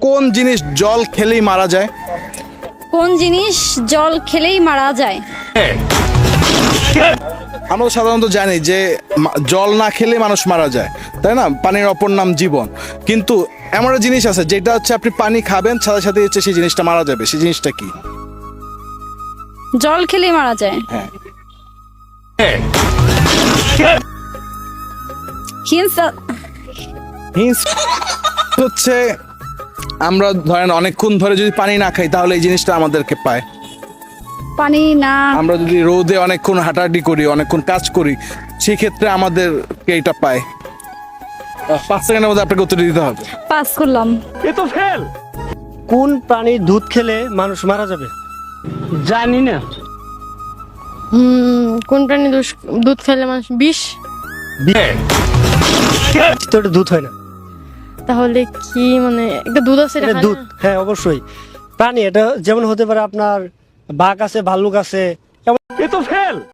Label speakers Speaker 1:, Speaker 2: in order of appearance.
Speaker 1: কোন জিনিস জল খেলেই মারা যায়?
Speaker 2: কোন জিনিস জল খেলেই মারা যায়?
Speaker 1: আমরা তো সাধারণত জানি যে জল না খেলে মানুষ মারা যায়, তাই না? পানির অপর নাম জীবন। কিন্তু এমন একটা জিনিস আছে যেটা হচ্ছে আপনি পানি খাবেন সাথে সাথে হচ্ছে সেই জিনিসটা মারা যাবে। সেই জিনিসটা কি?
Speaker 2: জল খেলেই মারা যায়?
Speaker 1: হ্যাঁ। হিন্স হচ্ছে আমরা ধরেন অনেকক্ষণ ধরে যদি পানি না খাই তাহলে এই জিনিসটা আমাদেরকে পায়।
Speaker 2: পানি না,
Speaker 1: আমরা যদি রোদে অনেকক্ষণ হাঁটাহাঁটি করি, অনেকক্ষণ কাজ করি, সেই ক্ষেত্রে আমাদেরকে এটা পায়। 5 সেকেন্ডের মধ্যে আপনাকে উত্তর দিতে হবে।
Speaker 2: পাস করলাম।
Speaker 3: কোন প্রাণীর দুধ খেলে মানুষ মারা যাবে?
Speaker 4: জানি না।
Speaker 5: কোন প্রাণী দুধ খেলে মানুষ বিষ?
Speaker 3: তো এটা দুধ হয় না।
Speaker 5: তাহলে কি মানে একটা দুধ আছে এটা
Speaker 3: এটা
Speaker 5: খায়
Speaker 3: দুধ,
Speaker 5: না?
Speaker 3: হ্যাঁ অবশ্যই প্রাণী। এটা যেমন হতে পারে আপনার বাঘ আছে, ভাল্লুক আছে,
Speaker 4: এ তো ফেল।